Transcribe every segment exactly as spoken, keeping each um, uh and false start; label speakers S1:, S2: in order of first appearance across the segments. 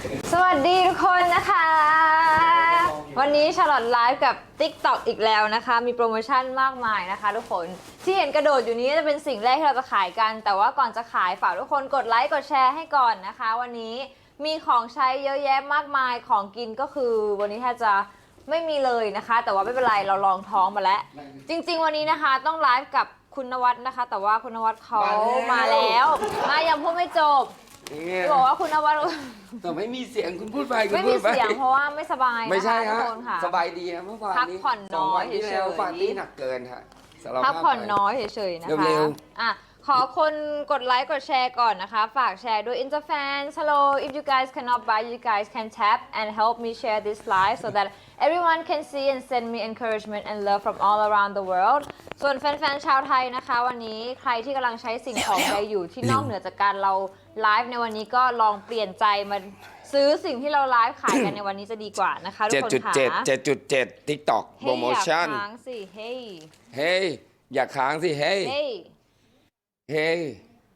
S1: สวัสดีทุกคนนะคะวันนี้ชาลอตไลฟ์กับ TikTok อีกแล้วนะคะมีโปรโมชั่นมากมายนะคะทุกคนที่เห็นกระโดดอยู่นี้จะเป็นสิ่งแรกที่เราจะขายกันแต่ว่าก่อนจะขายฝากทุกคนกดไลค์กดแชร์ให้ก่อนนะคะวันนี้มีของใช้เยอะแยะมากมายของกินก็คือวันนี้แทบจะไม่มีเลยนะคะแต่ว่าไม่เป็นไรเราลองท้องมาแล้วจริงๆวันนี้นะคะต้องไลฟ์กับคุณนวัดนะคะแต่ว่าคุณนวัดเขามาแล้วมายังพูดไม่จบบอกว่าคุณนวัด
S2: แต่ไม่มีเสียงคุณพูดไป
S1: ไม่มีเสียงเพราะว่าไม่สบาย
S2: ไม่ใช่ฮะสบายดี
S1: นะ
S2: เมื่อวาน
S1: พักผ่อนน้อยเฉย
S2: ๆฟันนี่หนักเกินฮะ
S1: พักผ่อนน้อยเฉยๆนะคะอ่ะขอคนกดไลค์กดแชร์ก่อนนะคะฝากแชร์ด้วย Interfans Hello if you guys cannot buy you guys can tap and help me share this live so that everyone can see and send me encouragement and love from all around the world ส่วนแฟนๆชาวไทยนะคะวันนี้ใครที่กำลังใช้สิ่งของใดอยู่ที่นอกเหนือจากการเราไลฟ์ในวันนี้ก็ลองเปลี่ยนใจมาซื้อสิ่งที่เราไลฟ์ขายกันในวันนี้จะดีกว่านะคะทุกคนค่ะ
S2: เจ็ดจุดเจ็ด เจ็ดจุดเจ็ด TikTok โปรโมชั่น
S1: ค้างสิเฮ้ย
S2: เฮ้ยอย่าค้างสิเฮ้ยเฮ้ย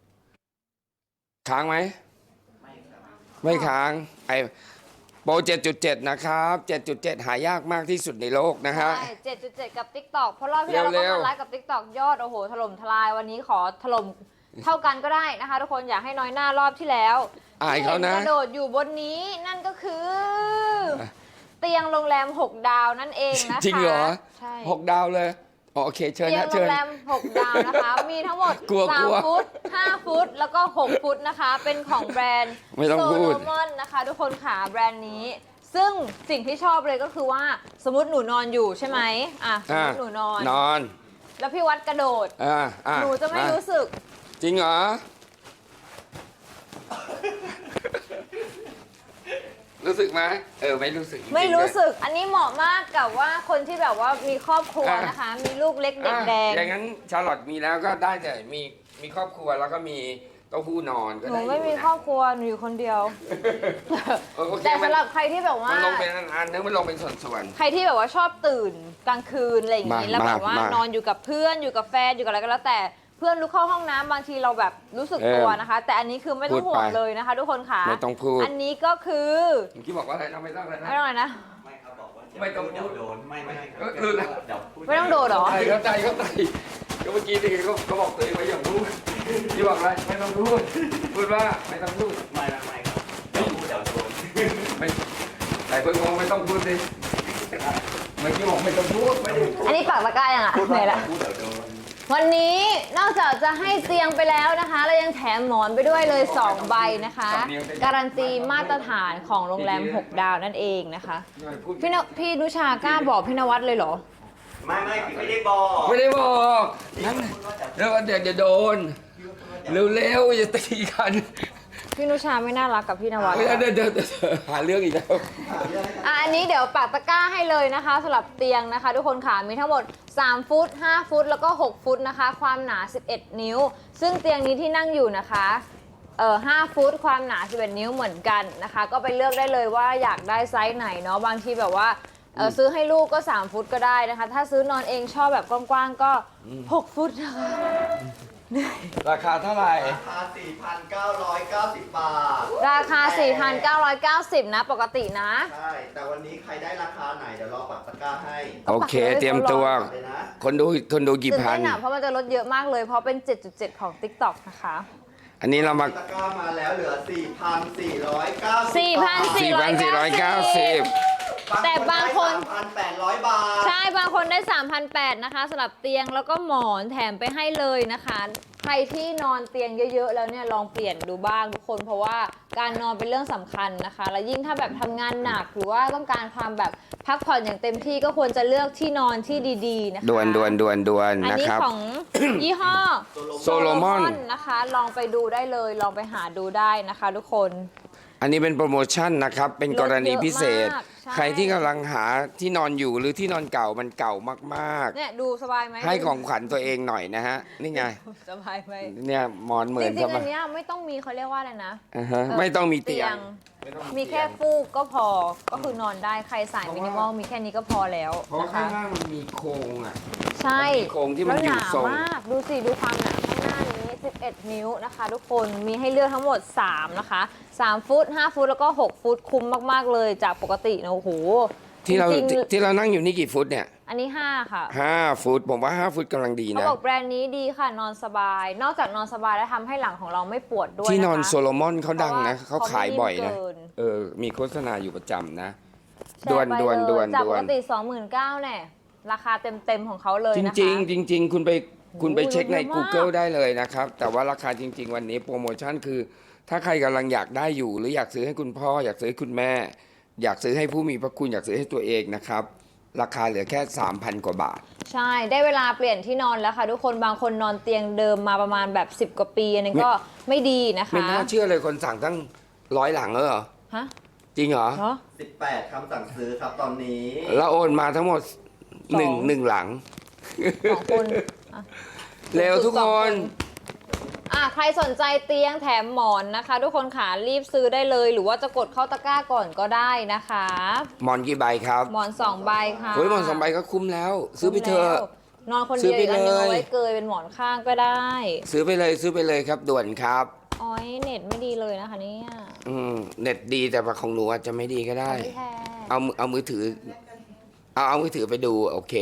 S2: ค้างไหมไม่ค้างไอโปร เจ็ดจุดเจ็ด นะครับ เจ็ดจุดเจ็ด หายากมากที่สุดในโลกนะฮะ
S1: ใช่ เจ็ดจุดเจ็ด กับ TikTok เพราะรอบที่แล้วเราก็มาไลฟ์กับ TikTok ยอดโอ้โหถล่มทลายวันนี้ขอถล่มเท่ากันก็ได้นะคะทุกคนอยากให้น้อยหน้ารอบที่แล้ว
S2: อายเขานะ
S1: กระโดดอยู่บนนี้นั่นก็คือเตียงโรงแรมหกดาวนั่นเองนะคะ
S2: จริงเหรอ
S1: ใช่
S2: หกดาวเลยโอเคเชิญนะ
S1: เตียงโรงแรมหกดาวนะคะมีทั้งหมดสามฟุตห้าฟุตแล้วก็หกฟุตนะคะเป็นของแบรนด์โซโลมอนนะคะทุกคนค่ะแบรนด์นี้ซึ่งสิ่งที่ชอบเลยก็คือว่าสมมติหนูนอนอยู่ใช่ไหมอ่ะสมมติหนูนอน
S2: นอน
S1: แล้วพี่วัดกระโดดหนูจะไม่รู้สึก
S2: จริงเหรอรู้สึกไหมเออไม่รู้สึก
S1: ไม่รู้สึกอันนี้เหมาะมากกับว่าคนที่แบบว่ามีครอบครัวนะคะมีลูกเล็กเด็กแดง
S2: อย่างนั้นชาร์ลอตมีแล้วก็ได้แต่มีมีครอบครัวแล้วก็มีเต้าหู้นอนก็ได้
S1: หนูไม่มีครอบครัวหนูอยู่คนเดียวแต่สำหรับใครที่แบบว่า
S2: มันลงเป็นอันนึงมันลงเป็นส่วน
S1: ๆใครที่แบบว่าชอบตื่นกลางคืนอะไรอย่างนี้แล้วแบบว่านอนอยู่กับเพื่อนอยู่กับแฟนอยู่กับอะไรก็แล้วแต่เพื่อนลุกเข้าห้องน้ำบางทีเราแบบรู้สึกตัวนะคะแต่อันนี้คือไม่ต้องห่วงเลยนะคะทุกคนค่ะ
S2: ไม่ต้องพูด
S1: อันนี้ก็คือ
S2: เมื่อกี้บอกว่าอะไรนะไม่ต้องอะไรนะ
S1: ไม่ต้องอะไรนะ
S3: ไม่ครับบอกว่า
S2: ไม่ต้องพูด
S3: โดนไม่ไม่ครับ
S2: ลืมแล้ว
S1: ไม่ต้องโดนหรอ
S2: เข้าใจเข้าใจก็เมื่อกี้ที่เขาเขาบอกตัวเองไว้อย่างพูดที่บอกอะไรไม่ต้องพูดพูดว่าไม่ต้องพูด
S3: ไม่ไม่ไม่ครับเดี๋ยวพูดเดี๋ยวโดน
S2: ไม่แต่เพื่อนงงไม่ต้องพูดดิเมื่อกี้บอกไม่ต้องพูดไม่
S1: อันนี้ปากตะกร้ายังอ่ะ
S3: พูด
S1: ไหนละวันนี้นอกจากจะให้เตียงไปแล้วนะคะเรายังแถมหมอนไปด้วยเลยสองใบนะคะการันตีมาตรฐานของโรงแรมหกดาวนั่นเองนะคะพี่นพี่นุชากล้าบอกพี่นวัดเลยเหรอ
S3: ไม่ไม่ไม่ได้บอก
S2: ไม่ได้บอกนั่นแล้วเดี๋ยวจะโดนเร็วๆจะตีกัน
S1: พี่นุชาไม่น่ารักกับพี่นวัด
S2: เดี๋ยวเดี๋ยวหาเรื่องอีกแล้ว
S1: อ่ะอันนี้เดี๋ยวปักตะกร้าให้เลยนะคะสำหรับเตียงนะคะทุกคนค่ะมีทั้งหมดสามฟุตห้าฟุตแล้วก็หกฟุตนะคะความหนาสิบเอ็ดนิ้วซึ่งเตียงนี้ที่นั่งอยู่นะคะเอ่อห้าฟุตความหนาสิบเอ็ดนิ้วเหมือนกันนะคะก็ไปเลือกได้เลยว่าอยากได้ไซส์ไหนเนาะบางทีแบบว่าเออซื้อให้ลูกก็สามฟุตก็ได้นะคะถ้าซื้อนอนเองชอบแบบกว้างๆก็หกฟุตนะคะ
S2: ราคาเท่าไหร่
S3: ราคา สี่พันเก้าร้อยเก้าสิบ บาท
S1: ราคา สี่พันเก้าร้อยเก้าสิบ นะปกตินะ
S3: ใช่แต่วันนี้ใครได้ราคาไหนเดี๋ยวรอปักตะกร้าให้
S2: โอเคเตรียมตัวคนดูคนดูกี่พัน
S1: เพราะมันจะลดเยอะมากเลยเพราะเป็น เจ็ดจุดเจ็ด ของ TikTok นะคะ
S2: อันนี้เรามา
S3: ตะกร้ามาแล้วเหลือ สี่พันสี่ร้อยเก้าสิบ
S1: สี่พันสี่ร้อยเก้าสิบแต่บางคน
S3: สามพันแปดร้อย บาท
S1: ใช่บางคนได้ สามพันแปดร้อย นะคะสำหรับเตียงแล้วก็หมอนแถมไปให้เลยนะคะใครที่นอนเตียงเยอะๆแล้วเนี่ยลองเปลี่ยนดูบ้างทุกคนเพราะว่าการนอนเป็นเรื่องสำคัญนะคะแล้วยิ่งถ้าแบบทำงานหนักหรือว่าต้องการความแบบพักผ่อนอย่างเต็มที่ก็ควรจะเลือกที่นอนที่ดีๆนะคะ
S2: ด่วนด่วนด่วนด่วน
S1: นะครับอันนี้ของยี่ห้อ
S2: โซโลมอน
S1: นะคะลองไปดูได้เลยลองไปหาดูได้นะคะทุกคน
S2: อันนี้เป็นโปรโมชั่นนะครับเป็นกรณีพิเศษใครที่กำลังหาที่นอนอยู่หรือที่นอนเก่ามันเก่ามาก
S1: ๆเนี่ยดูสบายไหม
S2: ให้ของขวัญตัวเองหน่อยนะฮะนี่ไง
S1: สบายไหม
S2: เนี่ยหมอนเหมือน
S1: จริงๆอันนี้ไม่ต้องมีเขาเรียกว่าอะไรนะ
S2: ไม่ต้องมีเตียง
S1: มีแค่ฟูกก็พอก็คือนอนได้ใครสายมินิมอลมีแค่นี้ก็พอแล้ว
S2: เพราะข้างล่างมันมีโครงอ่ะ
S1: ใช่
S2: โครงที่มันอยู่ทรง
S1: มากดูสิดูความหนาข้างหน้านี้สิบเอ็ดอ็ดนิ้วนะคะทุกคนมีให้เลือกทั้งหมดสามนะคะสามฟุตห้าฟุตแล้วก็หกฟุตคุ้มมากๆเลยจากปกตินะโอ้โห
S2: ที่เรา
S1: จงๆ
S2: ที่เรานั่งอยู่นี่กี่ฟุตเนี่ย
S1: อันนี้ห้าค่ะ
S2: ห้าฟุตผมว่าห้าฟุตกำลังดี
S1: เขา
S2: นะ
S1: บอกแบรนด์นี้ดีค่ะนอนสบาย นอกจากนอนสบายแล้วทำให้หลังของเราไม่ปวดด้วย
S2: ที่นอน
S1: นะคะ
S2: โซโลมอนเขาดังนะ
S1: เพ
S2: เขา
S1: ราะว่า
S2: ขายบ่อยนะ
S1: เขาไม่นิ่มเกิน
S2: เออมีโฆษณาอยู่ประจำนะ
S1: แช
S2: ด่ว
S1: ร์
S2: น
S1: ไป
S2: ด่วน
S1: เลย
S2: ด่วน
S1: จาก
S2: ด่
S1: ป
S2: ว
S1: ก
S2: น
S1: ติ สองหมื่นเก้าพัน เนี่ยราคาเต็มๆของเขาเลย
S2: จ
S1: นะคะ
S2: ริงๆจริง ๆ คุณไปคุณไปเช็คใน
S1: เยอะมาก
S2: Google ได้เลยนะครับ แต่ว่าราคาจริง ๆ วันนี้โปรโมชั่นคือ ถ้าใครกำลังอยากได้อยู่ หรืออยากซื้อให้คุณพ่อ อยากซื้อให้คุณแม่ อยากซื้อให้ผู้มีพระคุณอยากซื้อให้ตัวเองนะครับราคาเหลือแค่ สามพัน กว่าบาท
S1: ใช่ได้เวลาเปลี่ยนที่นอนแล้วค่ะทุกคนบางคนนอนเตียงเดิมมาประมาณแบบสิบกว่าปีอันนี้ก็ไม่ดีนะคะ
S2: ไม่น่าเชื่อเลยคนสั่งตั้งร้อยหลังแล้วเหรอ
S1: ฮะ
S2: จริงเหรอ
S1: เหรอ
S3: สิบแปดคำสั่งซื้อครับตอนนี้
S2: แล้วโอนมาทั้งหมดหนึ่ง
S1: สอง
S2: หนึ่งหลัง
S1: สองคนอ่ะ
S2: เร็วทุก
S1: ส
S2: ค
S1: อง
S2: น
S1: อ่ะใครสนใจเตียงแถมหมอนนะคะ ทุกคนขารีบซื้อได้เลย หรือว่าจะกดเข้าตะกร้าก่อนก็ได้นะคะ
S2: หมอนกี่ใบครับ
S1: หมอนสองใบค่ะ
S2: โอ้ยหมอนสองใบก็คุ้มแล้ว ซื้อไปเถอะ
S1: นอนคน
S2: ซื้
S1: เดี
S2: อ
S1: ยว
S2: ไป
S1: อีกอันนึง
S2: เลย
S1: เอาไว้เกยเป็นหมอนข้างก็ได้
S2: ซื้อไปเลยซื้อไปเลยครับด่วนครับ
S1: อ๋อยเน็ตไม่ดีเลยนะคะเนี่ย
S2: อืมเน็ตดีแต่ว่าของหนูอาจจะไม่ดีก็ได้
S1: ไม่แท้
S2: เอามือเอามือถือ เอาเอามือถือไปดูโอเค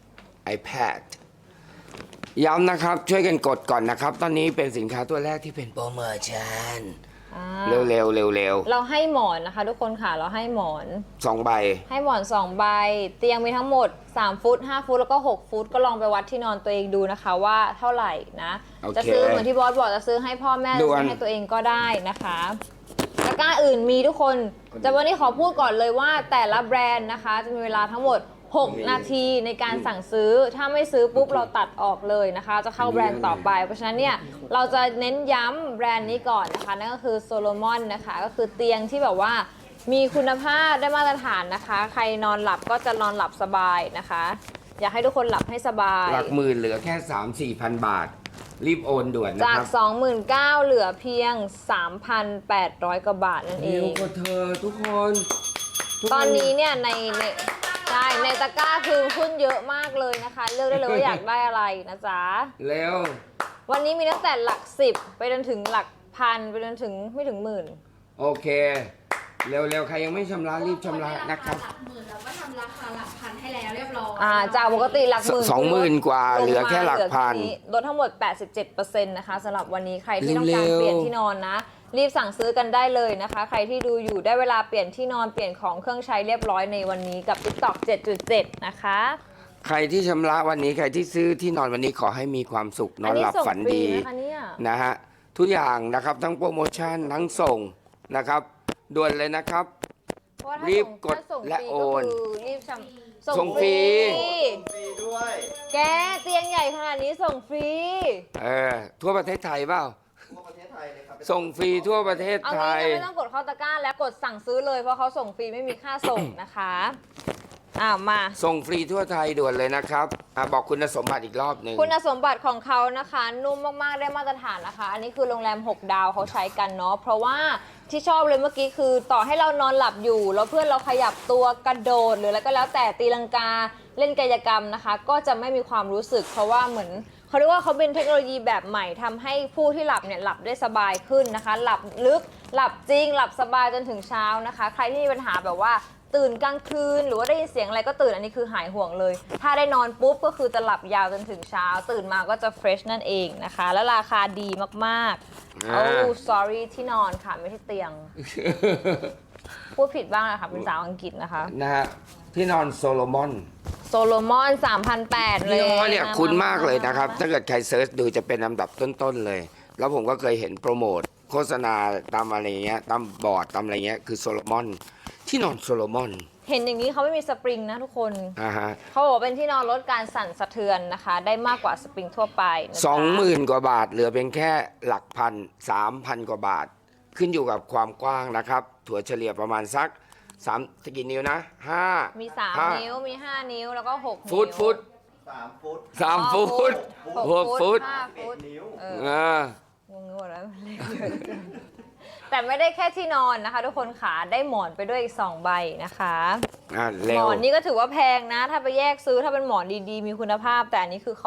S2: iPad ย้ำนะครับช่วยกันกดก่อนนะครับ ตอนนี้เป็นสินค้าตัวแรกที่เป็นโปรโมชั่น
S1: อ่า
S2: เร็วเร็วเร็วเร็ว
S1: เราให้หมอนนะคะ ทุกคนค่ะเราให้หมอน
S2: สองใบ
S1: ให้หมอนสองใบ เตียงมีทั้งหมดสามฟุตห้าฟุตแล้วก็หกฟุตก็ลองไปวัดที่นอนตัวเองดูนะคะว่าเท่าไหร่นะ
S2: โอเค
S1: จะซื้อเหมือนที่บอสบอกจะซื้อให้พ่อแม่
S2: ด่วน
S1: ซื้อให้ตัวเองก็ได้นะคะตะกร้าอื่นมีทุกคนแต่วันนี้ขอพูดก่อนเลยว่าแต่ละแบรนด์นะคะจะมีเวลาทั้งหมดหกนาทีในการสั่งซื้อถ้าไม่ซื้อปุ๊บเราตัดออกเลยนะคะ จะเข้าแบรนด์ต่อไป เพราะฉะนั้นเนี่ยเราจะเน้นย้ำแบรนด์นี้ก่อนนะคะนั่นก็คือโซโลมอนนะคะก็คือเตียงที่แบบว่ามีคุณภาพได้มาตรฐานนะคะ ใครนอนหลับก็จะนอนหลับสบายนะคะ อยากให้ทุกคนหลับให้สบาย
S2: หลักหมื่นเหลือแค่ สามสี่ พันบาท รีบโอนด่วนนะ
S1: จาก
S2: ครับ
S1: สองหมื่นเก้าพัน เหลือเพียง สามพันแปดร้อย กว่าบาทนั่นเอ
S2: เร็ว
S1: ง
S2: กว่าเธอทุกคนทุกค
S1: ตอนนี้เนี่ยในในใช่ในตะกร้าคือขึ้นเยอะมากเลยนะคะ เลือกได้เลยว่าอยากได้อะไรนะจ๊ะ
S2: เร็ว
S1: วันนี้มีตั้งแต่หลักสิบไปจนถึงหลักพันไปจนถึงไม่ถึงหมื่น
S2: โอเค เร็วๆ ใครยังไม่ชำระรีบชำระนะครับ
S4: หลักหมื่นแล้วก็ทำราคาหลักพันให้แล้วเรียบร้อย
S1: อ่าจากปกติหลักหมื่น
S2: สองหมื่นกว่าเหลือแค่หลักพัน
S1: เหลือแค่นี้ลดทั้งหมด แปดสิบเจ็ดเปอร์เซ็นต์ นะคะสำหรับวันนี้ใครที่ต้องการ
S2: เร็วๆ
S1: เปลี่ยนที่นอนนะ รีบสั่งซื้อกันได้เลยนะคะ ใครที่ดูอยู่ได้เวลาเปลี่ยนที่นอนเปลี่ยนของเครื่องใช้เรียบร้อยในวันนี้กับ TikTok เจ็ดจุดเจ็ด นะคะ
S2: ใครที่ชำระวันนี้ใครที่ซื้อที่นอนวันนี้ขอให้มีความสุขนอนหลับ
S1: ส่ง
S2: ฝัน
S1: ฟรี
S2: ดี
S1: นะคะเนี่ย
S2: นะฮะทุกอย่างนะครับทั้งโปรโมชั่นทั้งส่งนะครับด่วนเลยนะครับ
S1: เพราะว่าถ้า
S2: รีบ
S1: ส่ง
S2: กด
S1: ถ้าส่ง
S2: และ
S1: ฟรี
S2: โอน
S1: ก็คือรีบชำ
S2: ส่งฟรี
S3: ฟรีด้วย
S1: แกเตียงใหญ่ขนาดนี้ส่งฟรี
S2: เออทั่วประเทศไทยเปล่า
S3: ทั่วประเทศไทยเลยครับ
S2: ส่งฟรีทั่วประเทศ
S1: เอา
S2: ไท
S1: งี้
S2: ย
S1: ก็ไม่ต้องกดเข้าตะกร้าแล้วกดสั่งซื้อเลยเพราะเขาส่งฟรีไม่มีค่าส่งนะคะอ้าวมา
S2: ส่งฟรีทั่วไทยด่วนเลยนะครับอ่ะบอกคุณสมบัติอีกรอบหนึ่ง
S1: คุณสมบัติของเขานะคะ นุ่มมากๆได้มาตรฐานนะคะ อันนี้คือโรงแรมหกดาวเขาใช้กันเนาะเพราะว่าที่ชอบเลยเมื่อกี้คือต่อให้เรานอนหลับอยู่แล้วเพื่อนเราขยับตัวกระโดดหรืออะไรก็แล้วแต่ตีลังกาเล่นกายกรรมนะคะ ก็จะไม่มีความรู้สึก เพราะว่าเหมือนเขาเรียกว่าเขาเป็นเทคโนโลยีแบบใหม่ทำให้ผู้ที่หลับเนี่ยหลับได้สบายขึ้นนะคะ หลับลึกหลับจริง หลับสบายจนถึงเช้านะคะ ใครที่มีปัญหาแบบว่าตื่นกลางคืนหรือว่าได้ยินเสียงอะไรก็ตื่นอันนี้คือหายห่วงเลย ถ้าได้นอนปุ๊บก็คือจะหลับยาวจนถึงเช้า ตื่นมาก็จะเฟรชนั่นเองนะคะ และราคาดีมากๆ
S2: อ่า
S1: โอ้ sorry ที่นอนค่ะไม่ใช่เตียง พูดผิดบ้างนะคะเป็นสาวอังกฤษนะคะ
S2: นะฮะที่นอนโซโลมอน
S1: โซโลมอน สามพันแปดร้อย เลย
S2: ยี่ห้อเนี่ยคุ้นมากเลยนะครับ ถ้าเกิดใครเซิร์ชดูจะเป็นลำดับต้นๆเลย แล้วผมก็เคยเห็นโปรโมทโฆษณาตามอะไรเงี้ยตามบอร์ดตามอะไรเงี้ยคือโซโลมอนที่นอนโซโลมอน
S1: เห็นอย่างนี้เขาไม่มีสปริงนะทุกคน
S2: อ่าฮะ
S1: เขาบอกว่าเป็นที่นอนลดการสั่นสะเทือนนะคะ ได้มากกว่าสปริงทั่วไปนะจ๊ะ
S2: สองหมื่นกว่าบาทเหลือเพียงแค่หลักพันสามพันกว่าบาท ขึ้นอยู่กับความกว้างนะครับ ถั่วเฉลี่ยประมาณสักสามกี่นิ้วนะห้า
S1: มีสาม
S2: ห้า
S1: นิ้ว มีห้านิ้ว แล้วก็หกนิ้ว
S2: ฟุตฟุต
S3: สามฟุต
S2: สาม
S1: อ๋อ
S2: ฟุต
S1: หก
S2: หกฟุต
S1: ห้า
S3: เอ็
S1: ฟุ
S3: ด
S1: ต
S3: นิ้ว
S1: เออ
S2: อ่า
S1: งงหมดแล้วเลขเยอะจังแต่ไม่ได้แค่ที่นอนนะคะ ทุกคนขาได้หมอนไปด้วยอีกสองใบนะคะ
S2: อ่า
S1: ห
S2: เร็
S1: ม
S2: ว
S1: อนนี่ก็ถือว่าแพงนะ ถ้าไปแยกซื้อถ้าเป็นหมอนดีๆ มีคุณภาพ แต่อันนี้คือเขา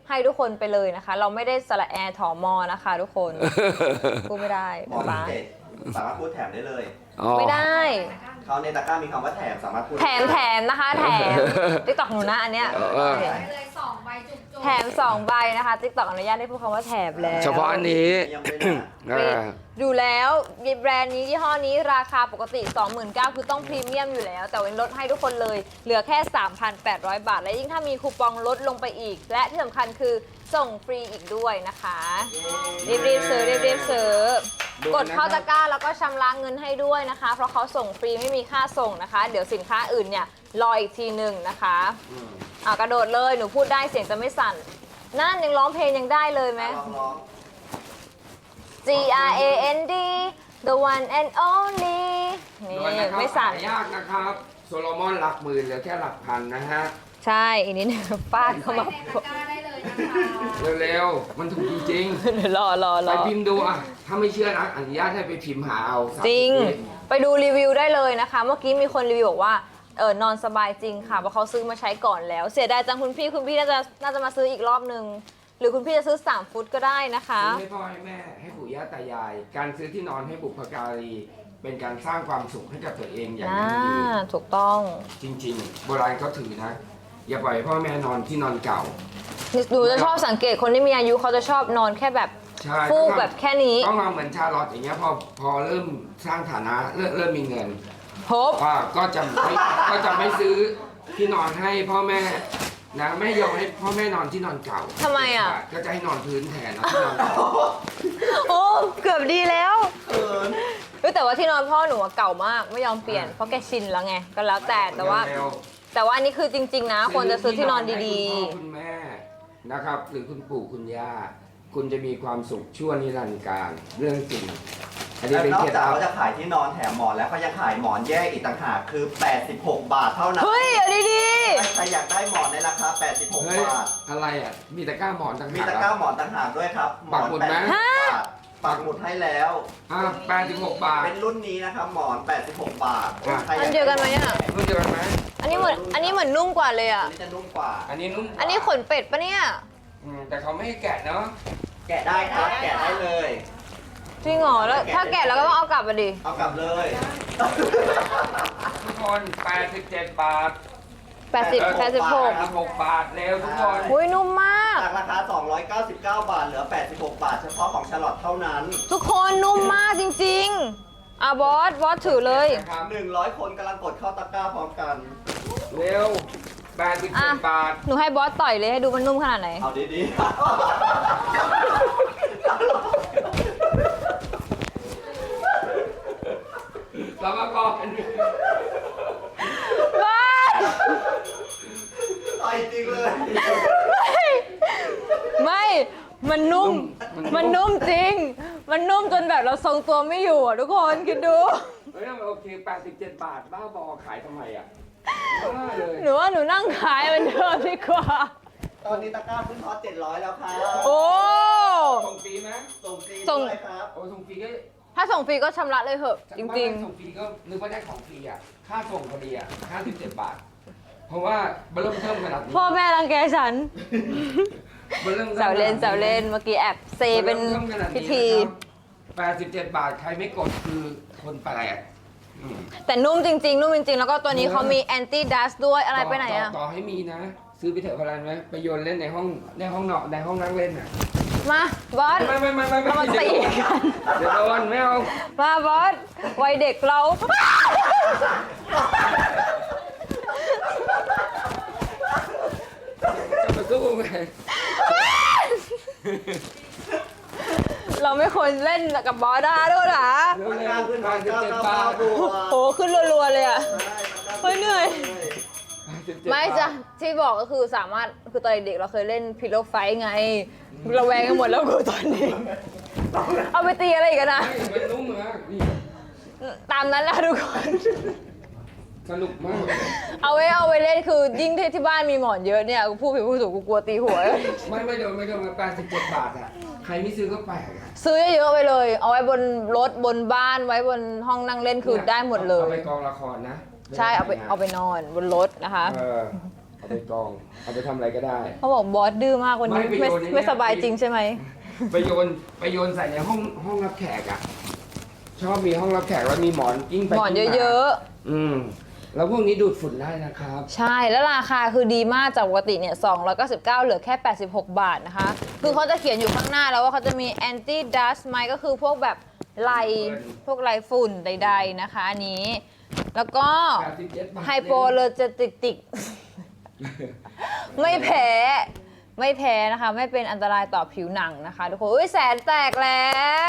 S1: ให้ทุกคนไปเลยนะคะ เราไม่ได้สระแอร์ถอมอนะคะ ทุกคนพูดไม่ได้
S3: หมอน
S1: ป๊า
S3: พิเศษสามารถพูดแถมได้เลย
S2: อ๋อ
S1: ไม่ได้
S3: เขาในตะกร้ามีคำว่าแถมสามารถพูด
S1: แถมแถมนะคะแถมติ๊กต็อกหนูนะอันเนี้ย
S2: เออ
S4: ไปเลยสองใบจุกๆ
S1: แถมสองใบนะคะติ๊กต็อกอนุญาตให้พูดคำว่าแถมแล้ว
S2: เฉพาะอันนี้
S3: ยังไม่ได้นะ
S2: เออ
S1: ดูแล้วแบรนด์นี้ยี่ห้อนี้ราคาปกติ สองหมื่นเก้าพัน คือต้องพรีเมียมอยู่แล้ว แต่วันนี้ลดให้ทุกคนเลย เหลือแค่ สามพันแปดร้อย บาท และยิ่งถ้ามีคูปองลดลงไปอีก และที่สำคัญคือส่งฟรีอีกด้วยนะคะ รีบๆซื้อรีบๆซื้อกดเข้าตะกร้าแล้วก็ชำระเงินให้ด้วยนะคะ เพราะเขาส่งฟรีไม่มีค่าส่งนะคะ เดี๋ยวสินค้าอื่นเนี่ยรออีกทีหนึ่งนะคะ
S2: อืม
S1: อ่ะกระโดดเลยหนูพูดได้เสียงจะไม่สั่นนั่นยังร้องเพลงยังได้เลยไหม
S3: ลองร้อง
S1: G R A N D the one and only นี่
S2: ด่วนนะครับ
S1: ไม่สั่น
S2: หายากนะครับ โซโลมอนหลักหมื่นเหลือแค่หลักพันนะฮะ
S1: ใช่อีกนิดนึงฟาดเข้ามา
S4: ใส่ในตะกร้าได้เลยนะคะ
S2: เร็วๆ มันถูกจริง
S1: เดี๋ยวรอรอ
S2: ๆ
S1: ร
S2: ไป
S1: อ
S2: พิมพ์ดูอ่ะ ถ้าไม่เชื่อนะอนุญาตให้ไปพิมพ์หาเอาสามสิบ
S1: จริง
S2: วิ
S1: ไปดูรีวิวได้เลยนะคะ เมื่อกี้มีคนรีวิวบอกว่าเออนอนสบายจริงค่ะเพราะเขาซื้อมาใช้ก่อนแล้ว เสียดายจังคุณพี่คุณพี่น่าจะน่าจะมาซื้ออีกรอบนึง หรือคุณพี่จะซื้อสามฟุตก็ได้นะคะ
S2: ซื้อให้พ่อให้แม่ให้ปู่ย่าตายาย การซื้อที่นอนให้บุพการี เป็นการสร้างความสุขให้กับตัวเองอย่าง
S1: อ่า
S2: ยั่งยืน
S1: ถูกต้อง
S2: จริงๆ โบราณเขาถือนะ อย่าปล่อยให้พ่อแม่นอนที่นอนเก่า
S1: หนูจะชอบสังเกตคนที่มีอายุเขาจะชอบนอนแค่แบบ
S2: ใช่
S1: ฟูกแบบแค่นี้
S2: ต้องมาเหมือนชาลอตอย่างเงี้ยพอพอเริ่มสร้างฐานะเริ่มเริ่มมีเงิน
S1: พบ
S2: อ่าก็จะไม่ก็จะไม่ซื้อที่นอนให้พ่อแม่นะไม่ยอมให้พ่อแม่นอนที่นอนเก่า
S1: ทำไมอ่ะ
S2: ก็จะให้นอนพื้นแทนนอนที่นอนเก่า
S1: โอ้เกือบดีแล้ว
S3: เขิน
S1: เฮ้ยแต่ว่าที่นอนพ่อหนูอะเก่ามากไม่ยอมเปลี่ยนเพราะแกชินแล้วไงก็แล้วแต่แต่ว่า
S2: เร็ว
S1: แต่ว่าอันนี้คือจริง ๆ นะควรจะซื้อที่นอนดี
S2: ให้คุณพ่อคุณแม่นะครับ หรือคุณปู่คุณย่าคุณจะมีความสุขชั่วนิรันดร์การเรื่องจริง อันนี้
S3: และ
S2: เป็น
S3: นอ
S2: เค
S3: ก
S2: ล็ด
S3: จาก
S2: ลับ
S3: เขาจะขายที่นอนแถมหมอนแล้วเขายังขายหมอนแยกอีกต่างหากคือ แปดสิบหก บาทเท่านั้
S1: ๆ
S3: น
S1: เฮ้ยเอาดี
S3: ใครอยากได้หมอนในราคา แปดสิบหก
S2: เฮ้ย
S3: บาท
S2: อะไรอ่ะมีตะกร้าหมอนต่าง
S3: มี
S2: หาก
S3: ตะกร้าหมอนต่างหากด้วยครับ หม
S2: ปั
S3: อก น
S2: หมุด
S3: แป
S2: ไหม
S3: ดสิบหกบาทปักหมุดให้แล้ว
S2: อ่าแปดสิบหกบาท
S3: เป็นรุ่นนี้นะครับหมอน แปดสิบหก บาท
S2: อ่ะ
S3: ใคร
S1: ๆอันเดียวกันไหมอ่ะ
S2: รุ่นเดียวกันไหม
S1: อันนี้เหมือนอันนี้เหมือนนุ่มกว่าเลย
S3: อั
S1: อ่ะ
S3: นนี้จะนุ่มกว่า
S2: อันนี้นุ่มกว่า
S1: อันนี้ขนเป็ดปะเนี่ย
S2: อืมแต่เขาไม่ให้แกะเนาะ
S3: แกะได้ครับ แกะได้เลย
S1: จริงเหรอแล้วถ้าแกะแล้วก็ต้องเอากลับมาดิ
S3: เอากลับเลย
S2: ทุกคนแปดสิบเจ็ดบาท
S1: แปดสิบ
S3: แป
S1: แป
S3: ด
S1: ด
S3: สิ
S1: สิ
S3: บบ ห
S1: ห
S3: ก
S1: ก
S2: แปดสิบหกบาทเร็วทุกคน
S1: อุ้ยนุ่มมาก
S3: จากราคา สองร้อยเก้าสิบเก้า บาท เหลือ แปดสิบหก บาท เฉพาะของชาลอตเท่านั้น
S1: ทุกคนนุ่มมากจริงๆอ่ะบอสบอสถือเลย
S2: นะครับ
S3: หนึ่งร้อย คนกำลังกดเข้าตะกร้าพร้อมกัน
S2: เร็วแปดสิบเจ็ดบาท
S1: หนูให้บอสต่อยเลยให้ดูมันนุ่มขนาดไหน
S3: เอาดี
S2: สามกร
S1: บอส
S3: ๆต่อยจริงเลย
S1: ไม่ มันนุ่ม มันนุ่มจริง มันนุ่มจนแบบเราทรงตัวไม่อยู่อ่ะทุกคนคิดดู
S2: เฮ้ยมันโอเคแปดสิบเจ็ดบาท บ้าบอขายทำไมอ่ะบ้าเลย
S1: หนูว่าหนูนั่งขายเหมันเดิมดีกว่า
S3: ตอนนี้ตะกร้าขึ้นฮอตเจ็ดร้อยแล้วครับ
S1: โอ้
S2: ส่งฟรีไหม
S3: ส่งฟรี
S1: ส่ง
S3: ด้วยครับ
S2: โอ้ส่งฟรีก็
S1: ถ้าส่งฟรีก็ชำระเลยเหอะ จริง
S2: ส่งฟรีก็นึกว่าได้ของฟรีอ่ะ ค่าส่งพอดีอ่ะห้าสิบเจ็ดบาท เพราะว่าเริ่มเทิมขนาดนี้
S1: ๆ พ่อแม่รังแกฉัน
S2: มันเริ่ม
S1: แซวเล่นแซวเล่น เมื่อกี้แอบเซเป็นพิธี
S2: แปดสิบเจ็ดบาท ใครไม่กดคือคนแปลกอืม
S1: แต่นุ่มจริง ๆ นุ่มจริง ๆ แล้วก็ตัวนี้เขามีแอนตี้ดัสด้วยอะไรไปไหน
S2: ต่
S1: อ่ะ
S2: ต่อให้มีนะ ซื้อไปเถอะพลันไหมไปโยนเล่นในห้องในห้องนอนในห้องนั่งเล่นอ่ะ
S1: มาบอส
S2: ไม่ไม่ไม่ไม่ไม่
S1: เอามาตีกัน
S2: เดี๋ยวโดนไม่เอา
S1: มาบอสวัยเด็กเรา
S2: จะมาสู้ไง
S1: เราไม่ควรเล่นกับบอสได้ด้วยนะ
S2: เร็ว
S3: ตะ
S2: เร็
S3: กร้าว ขึ้นฮ
S2: แป
S3: อ
S2: ด
S3: ต
S2: สิบ
S3: เก้า
S2: เจ็ด
S3: เก้า
S2: บา
S3: เก้า
S2: ท
S3: ตัว
S1: โหขึ้นรัวๆเลยอ่ะ
S3: ได้ตะกร้า
S1: เฮ้ยเหนื่อย
S3: ขึ้ล
S2: แปดสิบเจ็ด
S1: ไม่
S2: บาท
S1: จ้ะที่บอกก็คือสามารถคือตอนเด็กเราเคยเล่นพิลโลไฟไงเราแวงกันหมดแล้วกูตอนนี้ เอาไปตีอะไรอีกันนะ
S2: ไม่มันนุ่มมากนี่
S1: ตามนั้นแหละทุกคน
S2: สนุกมาก
S1: เอาไว้เอาไว้เล่นคือยิ่งที่ที่บ้านมีหมอนเยอะเนี่ยกูพูดผิดพูดถูกกูกลัวตีหัว
S2: ไม่ไม่โดนไม่โดนแปดสิบเจ็ดบาทอ่ะใครไม่ซื้อก็แปลกอ่ะ
S1: ซื้อเยอะๆไปเลย เอาไว้บนรถบนบ้านไว้บนห้องนั่งเล่นคือได้หมดเล
S2: เอา
S1: ย
S2: ไปกองละครนะ
S1: ใช่เอาไปเอาไปนอนบนรถนะคะ
S2: เออเอาไปกองเอาไปทำอะไรก็ได้
S1: เขาบอกบอสดื้อมากวันนี้
S2: ไม่
S1: ไม่
S2: ไปโยนใน
S1: ไม่
S2: เนี่ย
S1: สบายจริงใช่ไหม
S2: ไปโยนไปโยนใส่ในห้องห้องรับแขกอ่ะชอบมีห้องรับแขกแล้วมีหมอนกิ้งไป
S1: หมอน
S2: กิ้งมา
S1: เยอะ
S2: อืมแล้วพวกนี้ดูดฝุ่นได้นะครับ
S1: ๆ ใช่แล้วราคาคือดีมากจากปกติเนี่ยสองร้อยเก้าสิบเก้าเหลือแค่แปดสิบหกบาทนะคะ คือเขาจะเขียนอยู่ข้างหน้าแล้วว่าเขาจะมี anti dust mite ก็คือพวกแบบไลพวกไลฝุ่นใดๆนะคะอันนี้ แล้วก็
S2: แปดสิบเจ็ดบาท
S1: ไฮโปเลอร์เจติติก ไม่แพ้ไม่แพ้นะคะ ไม่เป็นอันตรายต่อผิวหนังนะคะทุกคนอุ้ยแสนแตกแล้ว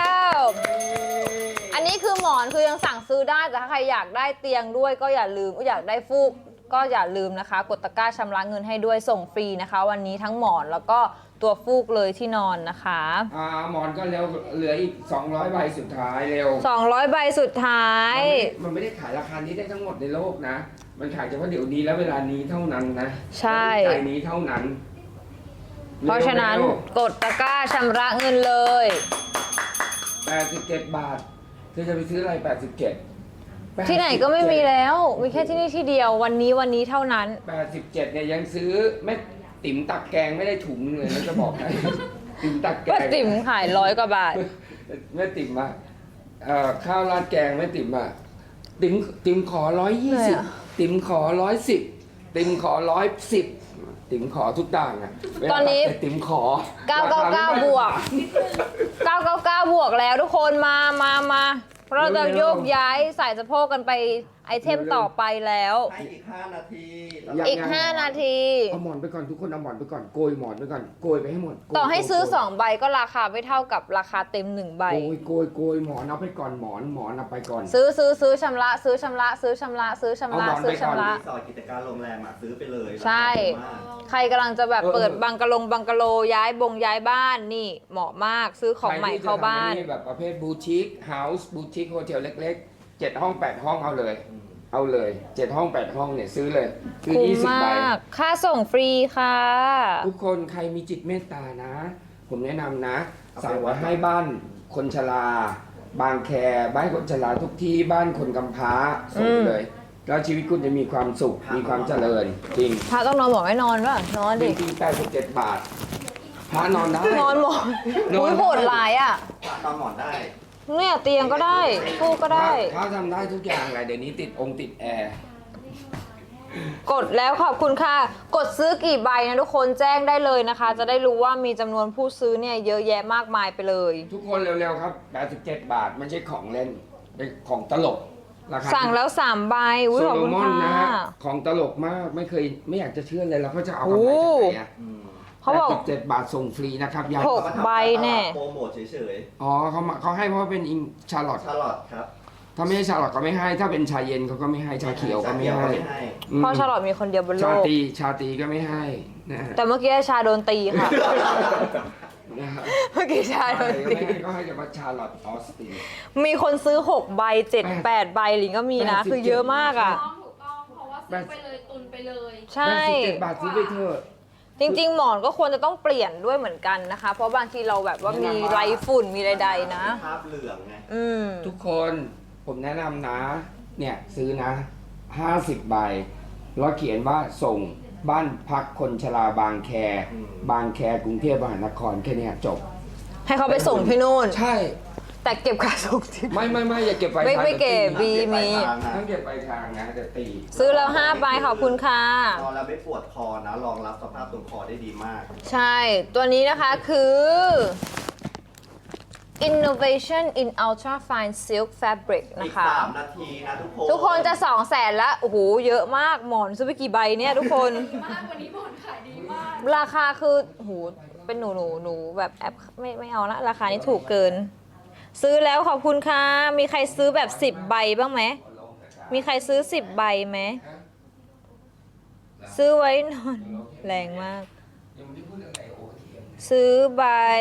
S1: อันนี้คือหมอนคือยังสั่งซื้อได้แต่ถ้าใครอยากได้เตียงด้วยก็อย่าลืมอยากได้ฟูกก็อย่าลืมนะคะ กดตะกร้าชำระเงินให้ด้วยส่งฟรีนะคะ วันนี้ทั้งหมอนแล้วก็ตัวฟูกเลยที่นอนนะคะ
S2: อ่าหมอนก็เร็วเหลืออีกสองร้อยใบสุดท้ายเร็ว
S1: สองร้อยใบสุดท้าย
S2: มันไม่ได้ขายราคานี้ได้ทั้งหมดในโลกนะ มันขายเฉพาะเดี๋ยวนี้และเวลานี้เท่านั้นนะ
S1: ใช่
S2: ใจนี้เท่านั้น
S1: เพราะฉะนั้นกดตะกร้าชำระเงินเลย
S2: แปดสิบเจ็ดบาทเธอจะไปซื้ออะไรแปดสิบเจ็ด
S1: ที่ไหนก็ไม่มีแล้ว มีแค่ที่นี่ที่เดียววันนี้วันนี้เท่านั้น
S2: แปดสิบเจ็ดเนี่ยยังซื้อแม่ติ๋มตักแกงไม่ได้ถุงเลยนะจะบอกให้ ติ๋มตักแก
S1: ป้าง ติ๋มขายร้อยกว่าบาท
S2: แม่ติ๋มอะเอ่อข้าวราดแกงแม่ติ๋มอะติ๋มติ๋มขอร้อยยี่
S1: เหนื่
S2: สิ
S1: อย
S2: บ
S1: อะ
S2: ติ๋มขอร้อยสิบติ๋มขอร้อยสิบติ๋มขอทุกต่างอะเวลา
S1: ตอนนี้
S2: ตัดติ๋มขอ
S1: เก้าเก้าเก้า
S2: รคไม่
S1: บวก เก้าเก้าเก้าบวกแล้วทุกคนมามามาเพราะเราจะโยกย้ายใส่สะโพกกันไปไอเทมต่อไปแล้ว
S3: ให้อีกห้านาที
S1: อีก ห้า นาที
S2: เอาหมอนไปก่อนทุกคนเอาหมอนไปก่อนโกยหมอนไปก่อนโกยไปให้หมดโกย
S1: ต่อให้ซื้อ
S2: โกย
S1: สองใบก็ราคาไม่เท่ากับราคาเต็มหนึ่งใบ
S2: โกยโกยโกยหมอนเอาไปก่อนหมอนหมอนเอาไปก่อน
S1: ซื้อซื้อซื้อชำระ ซื้อชำระ ซื้อชำระ ซื้อชำระ
S2: เอาหมอน
S1: ซื้อ
S2: ไปก่อน
S1: ชำระ
S3: รีสอร์ทกิจการโรงแรมอ่ะซื้อไปเลย
S1: ใช่
S3: ราคาถูกมาก
S1: ใครกำลังจะแบบ
S2: เออ
S1: เปิดบังกะลงบังกะโลย้ายบงย้ายบ้านนี่เหมาะมากซื้อของใหม่เข้าบ้าน
S2: ใครที่จะทำอัแบบประเภทบูติกเฮาส์บูติกโฮเทลเล็กๆเจ็ดห้องแปดห้องเอาเลย เอาเลยเจ็ดห้องแปดห้องเนี่ยซื้อเลยซื้อ
S1: คุ้ม
S2: ยี่สิบ
S1: ม
S2: ใบ
S1: าก ค่าส่งฟรีค่ะ
S2: ทุกคนใครมีจิตเมตตานะ ผมแนะนำนะ สั่งไว้ให้บ้านคนชรา บางแคบ้านคนชราทุกที่บ้านคนกำพร้าส่งเลย แล้วชีวิตคุณจะมีความสุขมีความเจริญ จริง
S1: พระต้องนอนหมอนไม่นอนป่ะนอน
S2: จ
S1: ดิ
S2: ริงๆแปดสิบเจ็ดบาทพระนอนได้
S1: นอนหมอน
S2: นอน
S1: อุ้ยโหดหลายอ่ะ
S3: นอนหมอนได้
S1: เนี่ยเตียงก็ได้ฟูกก็ได้
S2: พระทำได้ทุกอย่างเลยเดี๋ยวนี้ติดองค์ติดแอร์
S1: กดแล้วขอบคุณค่ะ กดซื้อกี่ใบนะทุกคนแจ้งได้เลยนะคะ จะได้รู้ว่ามีจำนวนผู้ซื้อเนี่ยเยอะแยะมากมายไปเลย
S2: ทุกคนเร็วๆครับแปดสิบเจ็ดบาทไม่ใช่ของเล่นเป็นของตลกราคา
S1: สั่งแล้วสามใบอุ้ย
S2: โซ
S1: ขอบ
S2: โล
S1: คุณ
S2: มอนนะ
S1: ค่ะ
S2: ฮะของตลกมากไม่เคยไม่อยากจะเชื่อเลยเราก็จะเอากำไรจากไหนอ่ะ
S3: อืม
S1: เขาบอก
S2: แปดสิบเจ็ดบาทส่งฟรีนะครับยาย
S1: หก ใบแน่
S3: โปรโมทเฉย
S2: อ๋อเขามาเขาให้เพราะว่าเป็นอิงชาร์ลอต
S3: ๆชาลอตครับ
S2: ถ้าไม่ใช่ชาร์ลอตก็ไม่ให้ ถ้าเป็นชาเย็นเขาก็ไม่ให้ชาเขียวก็ไม่ให้
S3: ชาเขียวก็ไม่ให้
S2: อืม
S1: เพราะชาลอตมีคนเดียวบนโล
S2: ชาก ตรีชาตรีก็ไม่ให้นะฮะ
S1: แต่เมื่อกี้ชาโดนตีค่ะ
S2: นะฮะ
S1: เมื่อกี้ชาโดน
S2: ก็
S1: ตี
S2: ไม่ให้ก็ให้แต่ว่าชาร์ลอตออสติน
S1: มีคนซื้อหกใบเจ็ดแปดใบหลิงก็มีนะ คือเยอะมากอ่ะ
S4: ต้องถูกต้องเพราะว่าซื้อไปเลยตุนไปเลย
S1: ใช่
S2: แปดสิบเจ็ดบาทซื้อไปเถอะ
S1: จริง ๆ หมอนก็ควรจะต้องเปลี่ยนด้วยเหมือนกันนะคะ เพราะบางทีเราแบบว่ามีไรฝุ่นมีใดๆนะ
S3: ภาพเหลืองไง
S1: อืม
S2: ทุกคนผมแนะนำนะ เนี่ยซื้อนะห้าสิบใบ แล้วเขียนว่าส่งบ้านพักคนชราบางแค
S3: อืม
S2: บางแคกรุงเทพมหานครแค่เนี้ยจบ
S1: ให้เขาไปส่งที่นู่น
S2: ใช่
S1: แต่เก็บค่าส่งที่
S2: ไม่ไม่ไม่อย่าเก็บไป
S1: ไม่ไม่เก็บ บีมี
S2: ต้องเก็บไปทางนะเดี๋ยวตี
S1: ซื้อแล้วห้าใบขอบคุณค่ะ
S3: นอนแล้วไม่ปวดคอนะรองรับสภาพตรงคอได้ดีมาก
S1: ใช่ ตัวนี้นะคะคือ Innovation in Ultra Fine Silk Fabric
S3: อี
S1: นะ
S3: ก
S1: คะ
S3: สามนาทีนะทุกคน
S1: ทุกคนจะสองแสนแล้ว โอ้โห เยอะมากหมอนซื้อไปกี่ใบเนี่ยทุกคน
S4: ดีมากวันนี้บอลขายดีมาก
S1: ราคาคือโอ้โหเป็นหนูหนูหนูแบบแอปไม่ไม่เอาละราคานี้ถูกเกิน ซื้อแล้วขอบคุณค่ะ มีใครซื้อแบบสิบใบบ้างไหม มีใครซื้อสิบใบไหม ซื้อไว้นอน แรงมาก
S2: ยังไม่ได้พูดอะไรโอเค
S1: ซื้อใบ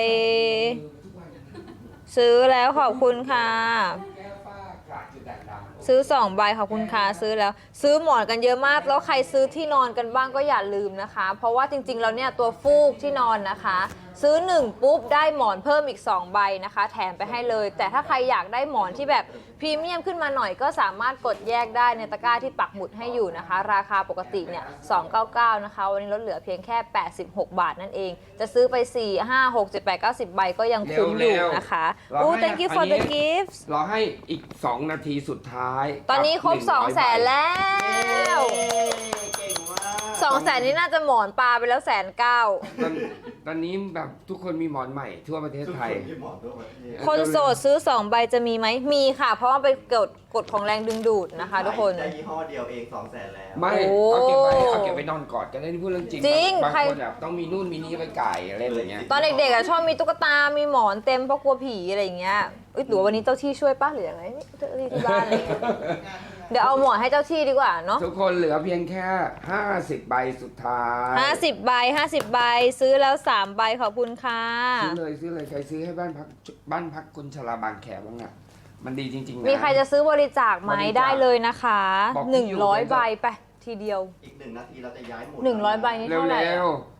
S1: ซื้อแล้วขอบคุณค่ะ
S2: แก้ฝ้ากระจุดด่างดำ
S1: ซื้อสองใบขอบคุณค่ะซื้อแล้ว ซื้อหมอนกันเยอะมาก แล้วใครซื้อที่นอนกันบ้างก็อย่าลืมนะคะ เพราะว่าจริงๆแล้วเนี่ยตัวฟูกที่นอนนะคะซื้อหนึ่งปุ๊บได้หมอนเพิ่มอีกสองใบนะคะ แถมไปให้เลย แต่ถ้าใครอยากได้หมอนที่แบบพรีเมียมขึ้นมาหน่อยก็สามารถกดแยกได้ในตะกร้าที่ปักหมุดให้อยู่นะคะ ราคาปกติเนี่ยสองร้อยเก้าสิบเก้านะคะวันนี้ลดเหลือเพียงแค่แปดสิบหกบาทนั่นเอง จะซื้อไปสี่ ห้า หก เจ็ด แปด เก้า สิบใบก็ยังคุ้มอยู่นะคะ
S2: เรา
S1: อู้
S2: ให้
S1: thank you for
S2: อัน
S1: the
S2: นี้
S1: gifts
S2: รอให้อีก สอง นาทีสุดท้าย
S1: ตอนนี้ครบ
S2: กับ
S1: สองแสน
S2: หนึ่ร้อยใบ
S1: แล้ว
S3: เก่งมาก
S1: สองแสนนี่น่าจะหมอนปลาไปแล้วแสนเก้า
S2: ตอนตอนนี้แบบทุกคนมีหมอนใหม่ทั่วประเทศไทย
S3: ที่หมอนทั่วประเทศ
S1: คนโสดซื้อสองใบจะมีไหมมีค่ะ เพราะว่าเป็นกฎกฎของแรงดึงดูดนะคะทุกคน
S3: ได้ยี่ห้อเดียวเองสองแสนแล้ว
S2: ไม่
S1: โอ้
S2: เอาเก็บไว้เอาเก็บไว้นอนกอดกันได้นี่พูดเรื่องจริง
S1: จริง
S2: บาง
S1: ใคร
S2: คนแบบต้องมีนู่นมีนี่ไปไก่อะไรอย่างเงี้ย
S1: ตอนเด็กๆอะชอบมีตุ๊กตา มีหมอนเต็มเพราะกลัวผีอะไรอย่างเงี้ยเอ้ยหรือว่าวันนี้เจ้าที่ช่วยป้าหรือยังไงนี่เจ้าที่ที่บ้านอะไรอย่างเงี้ยเดี๋ยวเอาหมอนให้เจ้าที่ดีกว่าเนาะ
S2: ทุกคนเหลือเพียงแค่ ห้าสิบ ใบสุดท้าย
S1: ห้าสิบใบห้าสิบใบซื้อแล้วสามใบขอบคุณค่ะ
S2: ซื้อเลยซื้อเลยใครซื้อให้บ้านพักบ้านพักคนชราบางแขบ้างอ่ะมันดีจริงๆนะ
S1: มีใครจะซื้อบริจาคไหม
S2: บริจาค
S1: ได้เลยนะคะ
S2: บอกที่
S1: หนึ่ง
S2: อยู่
S1: ร้อย
S2: เลย
S1: ใบไปทีเดียว
S3: อีกหนึ่งนาทีเราจะย้ายหมุด
S1: หนึ่งร้อยใบนี่
S2: เร็
S1: เท่าไหร่
S2: ว
S1: อะ
S2: ๆ